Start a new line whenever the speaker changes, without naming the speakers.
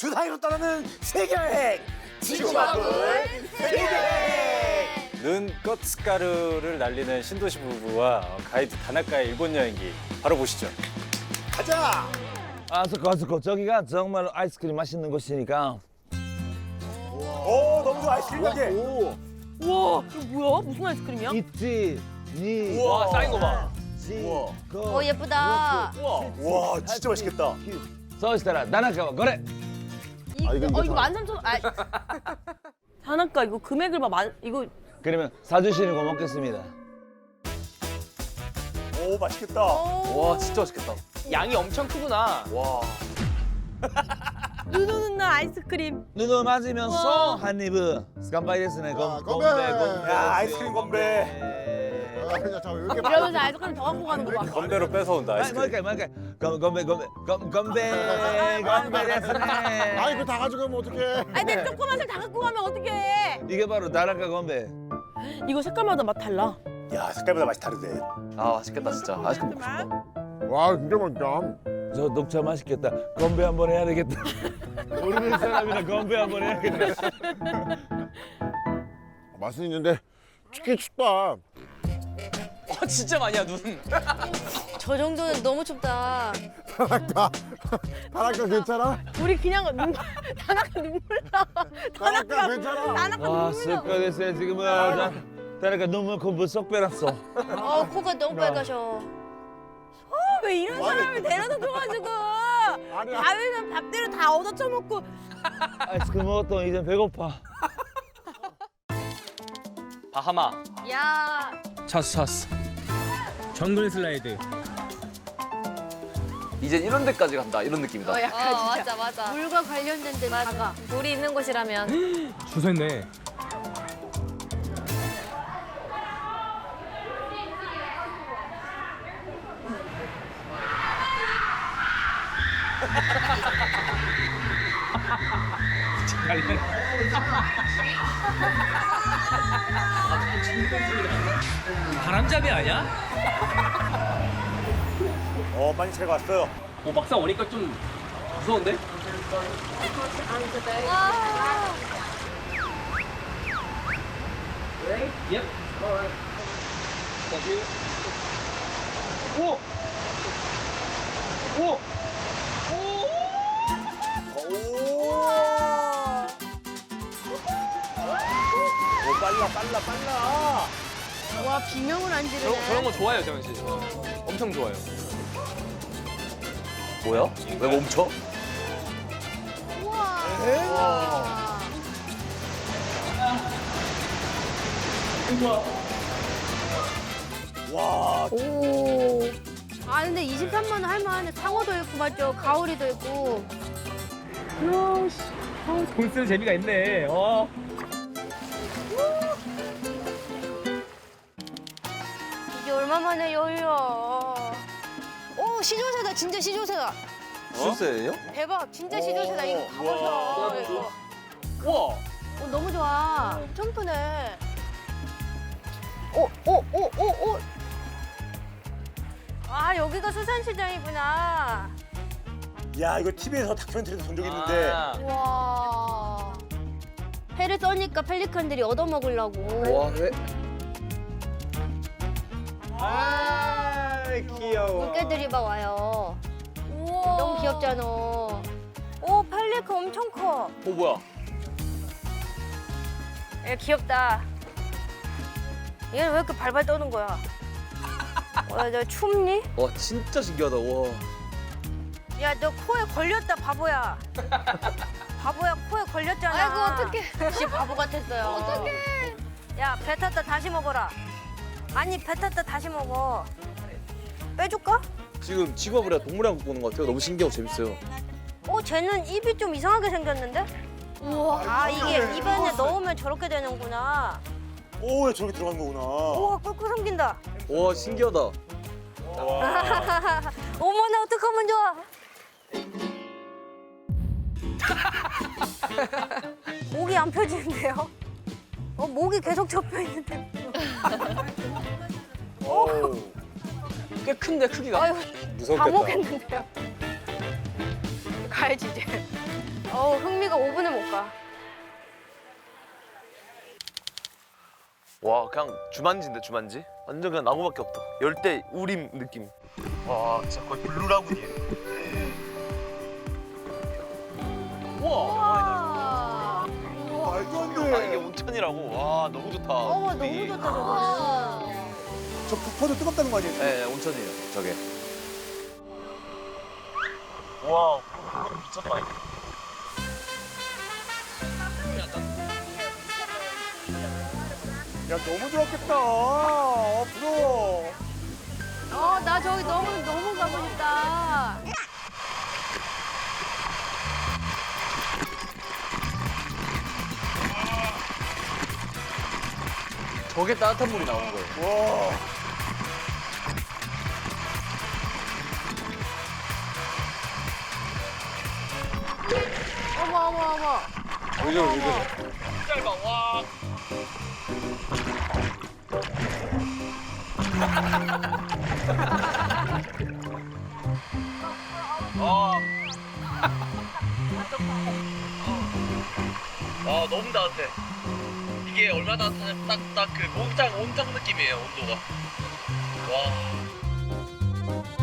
주사위로 떠나는 세계여행 지구마블 세계여행.
눈꽃 스카르를 날리는 신도시 부부와 가이드 다나카의 일본 여행기 바로 보시죠.
가자.
아스코 저기가 정말 아이스크림 맛있는 곳이니까.
오 너무 좋아 아이스크림 가게.
우와, 이거 뭐야? 무슨 아이스크림이야?
있지 니
우와, 쌓인 거 봐.
오, 예쁘다.
와 진짜 맛있겠다.
そうしたら다나카와これ.
이거 13,000원. 다나카 이거 금액을 이거
그러면 사주시는 거 먹겠습니다.
오 맛있겠다.
와 진짜 맛있겠다. 양이 엄청 크구나. 와.
눈 오는 날 아이스크림.
눈을 맞으면서 한 입을 스칸바이 데스네. 건배.
야 아이스크림 건배.
이러면서 아이스크림 더 갖고 가는 거 봐.
건배로 뺏어온다 아이스크림.
뭐일까요? 건배 데스네.
아이 그거 다 가져가면 어떡해.
아니 근데 조그만 살 다 갖고 가면 어떡해.
이게 바로 다나카 건배.
이거 색깔마다 맛 달라.
야 색깔보다 맛이 다르대.
아 맛있겠다 진짜. 아이스크림 먹고 싶다.
와 진짜 맛있다.
저 녹차 맛있겠다. 건배 한번 해야 되겠다. 모르는 사람이라 건배 한번 해야겠다.
맛은 있는데 춥긴 춥다.
진짜 많이야 눈.
저 정도는 너무 춥다.
다나카 괜찮아?
우리 그냥 다나카 눈물 나.
다나카 괜찮아?
다나카
와,
눈물 나.
습가 됐어요 지금은. 다나카 눈물 콤부 쏙 빼놨어.
코가 너무 빨가셔. 왜 이런 사람을 데려다 줘가지고 밥이면 밥대로 다 얻어쳐먹고.
아이스크림 먹었더니 이제 배고파.
바하마.
야.
찼어. 정글 슬라이드.
이제 이런 데까지 간다 이런 느낌이다.
약간 진짜. 맞아. 물과 관련된 데 다가. 물이 있는 곳이라면.
줄 서 있네. 바람잡이 아니야?
많이 제가 왔어요.
오 막상 오니까 좀 무서운데? 예? 오! 오!
오 빨라.
와 비명을 안 지르네.
저런 거 좋아해요 정현 씨. 엄청 좋아요. 뭐야? 왜 멈춰?
우와.
와
오. 아 근데 23만 원 할만해. 상어도 있고 맞죠? 가오리도 있고.
돈 쓰는 재미가 있네.
이게 얼마만에 여유야. 오 시조새다 진짜 시조새다.
실세예요?
대박 진짜 시조새다. 이거 가보자. 이거.
우와.
너무 좋아. 점프네. 오. 아 여기가 수산시장이구나.
야 이거 TV에서 다큐멘터리도 본 적 있는데.
와. 회를 써니까 펠리칸들이 얻어먹으려고.
와 왜?
아 귀여워.
물개들이 막 와요. 우와. 너무 귀엽잖아. 오 펠리칸 엄청 커.
뭐야?
얘 귀엽다. 얘는 왜 이렇게 발발 떠는 거야? 너 춥니?
와 진짜 신기하다. 와.
야, 너 코에 걸렸다, 바보야. 바보야, 코에 걸렸잖아. 아이고, 어떡해. 씨, 바보 같았어요. 어떡해. 야, 뱉었다 다시 먹어라. 아니, 뱉었다 다시 먹어. 빼줄까?
지금 직업을 동물원 갖고 오는 것 같아요. 너무 신기하고 재밌어요.
쟤는 입이 좀 이상하게 생겼는데? 우와. 아, 이게 입 안에 넣으면 저렇게 되는구나.
오 저렇게 들어간 거구나.
우와, 꿀꿀 삼긴다.
와 신기하다.
어머나, 어떡하면 좋아. 목이 안 펴지는데요? 목이 계속 접혀 있는데.
꽤 큰데 크기가.
아유, 다
무섭겠다.
먹겠는데요? 가야지 이제. 어우, 5분을 못 가.
와 그냥 주만지인데 주만지? 완전 그냥 나무밖에 없다. 열대 우림 느낌. 와 진짜 거의 블루라군이에요. 우와.
말도 안
아 이게
돼.
온천이라고. 와 너무 좋다.
너무
분위기.
좋다 저거는.
저 폭포도 뜨겁다는 거 아니에요?
네 온천이에요 저게. 와 미쳤다 이거.
야 너무 좋았겠다. 부러워.
나 저기 너무 가고 싶다.
저게 따뜻한 물이 나오는 거예요.
와.
어머.
왜 저래?
짧아 와. 와 너무 따뜻해. 이게 얼마나 따뜻하냐면 딱그 목욕탕 온탕 느낌이에요 온도가. 와.